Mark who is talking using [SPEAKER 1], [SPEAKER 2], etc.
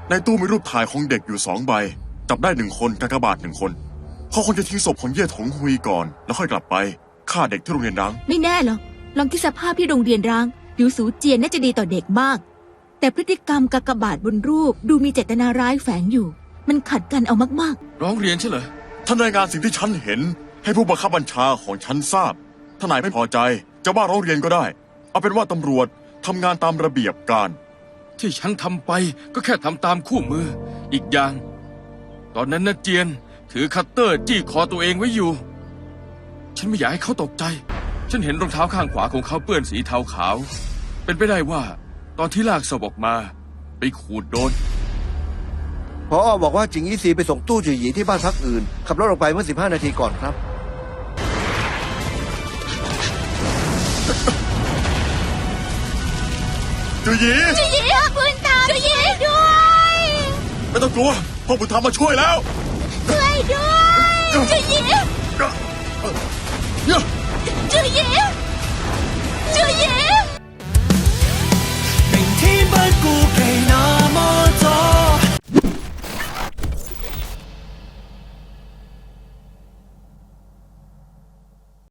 [SPEAKER 1] ในตู้มีรูปถ่ายของเด็กอยู่2 ใบจับได้1 คนกากบาท1 คนเขาคงจะทิ้งศพของเย่ถงฮุยก่อนแล้วค่อยกลับไปฆ่าเด็กที่โรงเรียนร้าง
[SPEAKER 2] ไม่แน่หรอกลองคิดสภาพที่โรงเรียนร้างหลิวสูเจียนน่าจะดีต่อเด็กมากแต่พฤติกรรมกากบาทบนรูปดูมีเจตนาร้ายแฝงอยู่มันขัดกันเอามาก
[SPEAKER 3] ร้องเรียนใช่เหรอ
[SPEAKER 1] ท่านรายงานสิ่งที่ฉันเห็นให้ผู้บังคับบัญชาของฉันทราบถ้านายไม่พอใจจะว่าร้องเรียนก็ได้เอาเป็นว่าตำรวจทำงานตามระเบียบการ
[SPEAKER 3] ที่ฉันทำไปก็แค่ทำตามคู่มืออีกอย่างตอนนั้นนะเจียนถือคัตเตอร์จี้คอตัวเองไว้อยู่ฉันไม่อยากให้เขาตกใจฉันเห็นรองเท้าข้างขวาของเขาเปื้อนสีเทาขาวเป็นไปได้ว่าตอนที่ลากศพออกมาไปขูดโดน
[SPEAKER 4] พอบอกว่าจิงอี้ซีไปส่งตู้จื่อหยีที่บ้านพักอื่นขับรถออกไปเมื่อ15 นาทีก่อนครับ
[SPEAKER 1] จือหยี
[SPEAKER 2] ๆจุยีคุณตามจุยีด้วย
[SPEAKER 1] ไม่ต้องกลัวพ่อบุญธรรมมาช่วยแล้ว
[SPEAKER 2] ช่วยด้วยจุยี